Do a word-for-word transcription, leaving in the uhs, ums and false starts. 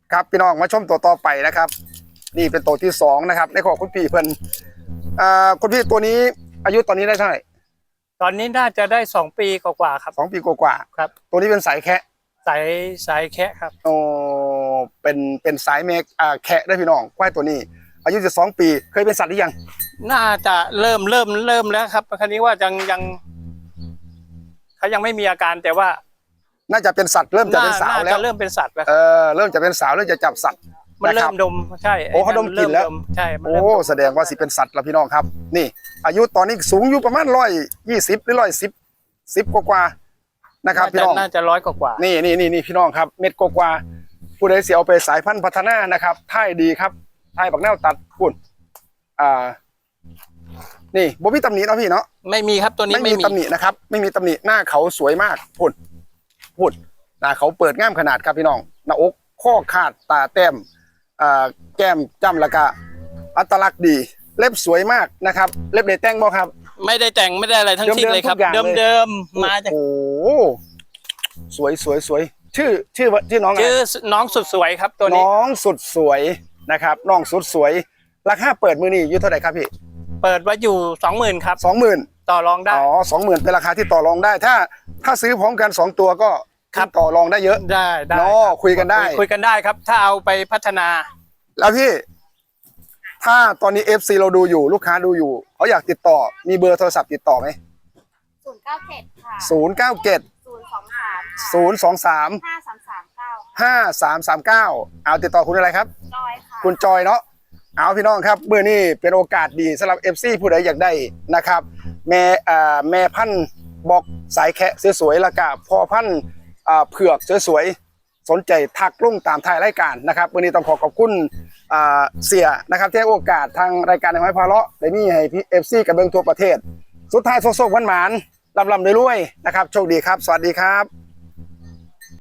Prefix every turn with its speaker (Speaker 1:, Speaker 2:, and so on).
Speaker 1: ครับพี่น้องมาชมตัวต่อไปนะครับนี่เป็นตัวที่สองนะครับในของคุณพี่เพิ่นอ่าคุณพี่ตัวนี้อายุตอนนี้ได้เท่าไหร่
Speaker 2: ตอนนี้น่าจะได้สองปีกว่าๆครับ
Speaker 1: สองปีกว่า
Speaker 2: ๆครับ
Speaker 1: ตัวนี้เป็นสายแคะ
Speaker 2: สายสายแคะครับ
Speaker 1: โอ้เป็นเป็นสายเมกอ่าแคะได้พี่น้องควายตัวนี้อายุจะสองปีเคยเป็นสัตว์หรือยัง
Speaker 2: น่าจะเริ่มเริ่มเริ่มแล้วครับคราวนี้ว่ายังยังเขายังไม่มีอาการแต่ว่า
Speaker 1: น่าจะเป็นสัตว์เริ่มจะเป็นสาวแล้ว
Speaker 2: เริ่มเป็นสัตว์แล้ว
Speaker 1: เออเริ่มจะเป็นสาวเริ่มจะจับสัตว์
Speaker 2: มันเริ่มดมใช่
Speaker 1: โอ้เขาดมกลิ่นแล้ว
Speaker 2: ใช่
Speaker 1: โอ้แสดงว่าสิเป็นสัตว์แล้วพี่น้องครับนี่อายุตอนนี้สูงอยู่ประมาณร้อยยี่สิบหรือร้อยสิบสิบกว่าๆนะครับพี่น้อง
Speaker 2: น่าจะร้อยกว่า
Speaker 1: นี่นี่นี่นี่พี่น้องครับเม็ดกว่าผู้ใดเสียเอาไปสายพันธุ์พัฒนานะครับท่ายดีครับท่ายบักแนวตัดพุ่นอ่านี่บ่มีตำหนิเนาะพี่เนาะ
Speaker 2: ไม่มีครับตัวนี้
Speaker 1: ไม่มีตำหนินะครับไม่มีตำหนิหน้าเขาสวยมากพุ่นพุ่นหน้าเขาเปิดง่ามขนาดครับพี่น้องหน้าอกข้อขาดตาแต้มอ่าแก้มจ้ำแล้วก็อัตลักษณ์ดีเล็บสวยมากนะครับเล็บได้แต่งบ่ครับ
Speaker 2: ไม่ได้แต่งไม่ได้อะไรทั้งสิ้นเลยครับเดิมเดิมมาจาก
Speaker 1: โอ้สวยสวยสวยชื่อชื่อชื่อน้องอะไร
Speaker 2: ชื่อน้องสุดสวยครับตัวนี้
Speaker 1: น้องสุดสวยนะครับน้องสุดสวยราคาเปิดมือนี่อยู่เท่าไหร่ครับพี่
Speaker 2: เปิดไว้อยู่สองหมื่นครับ
Speaker 1: สองหมื่น
Speaker 2: ต่อรองได้
Speaker 1: อ๋อสองหมื่นเป็นราคาที่ต่อรองได้ถ้าถ้าซื้อพร้อมกันสองตัวก็ต่อรองได้เยอะ
Speaker 2: ได้ได้
Speaker 1: เนาะคุยกันได้
Speaker 2: คุยกันได้ครับถ้าเอาไปพัฒนา
Speaker 1: แล้วพี่ถ้าตอนนี้ เอฟ ซี เราดูอยู่ลูกค้าดูอยู่เขาอยากติดต่อมีเบอร์โทรศัพท์ติดต่อไหม
Speaker 3: ศูนย์เก้าเจ็ดค่ะ
Speaker 1: ศูนย์เก้าเจ็ด
Speaker 3: ศูนย์สองสาม
Speaker 1: ศูนย์สองสาม
Speaker 3: ห้าสามสามเก้า
Speaker 1: ห้าสามสามเก้าเอาติดต่อคุณอะไรครับ
Speaker 3: จอยค่ะ
Speaker 1: คุณจอยเนาะเอาพี่น้องครับเมื่อนี้เป็นโอกาสดีสำหรับ เอฟ ซี ผู้ใดอยากได้นะครับแม่อ่าแม่พันธุ์บอกสายแคะสวยๆแล้วก็พอพันธุ์อ่าเผือกสวยๆสนใจทักลงตามท้ายรายการนะครับวันนี้ต้องขอขอบคุณอ่าเสียนะครับที่ให้โอกาสทางรายการในไม้พาเลาะได้มีให้พี่ เอฟ ซี กับเบิงทั่วประเทศสุดท้ายโซโซหวานๆลำๆรวยๆนะครับโชคดีครับสวัสดีครับ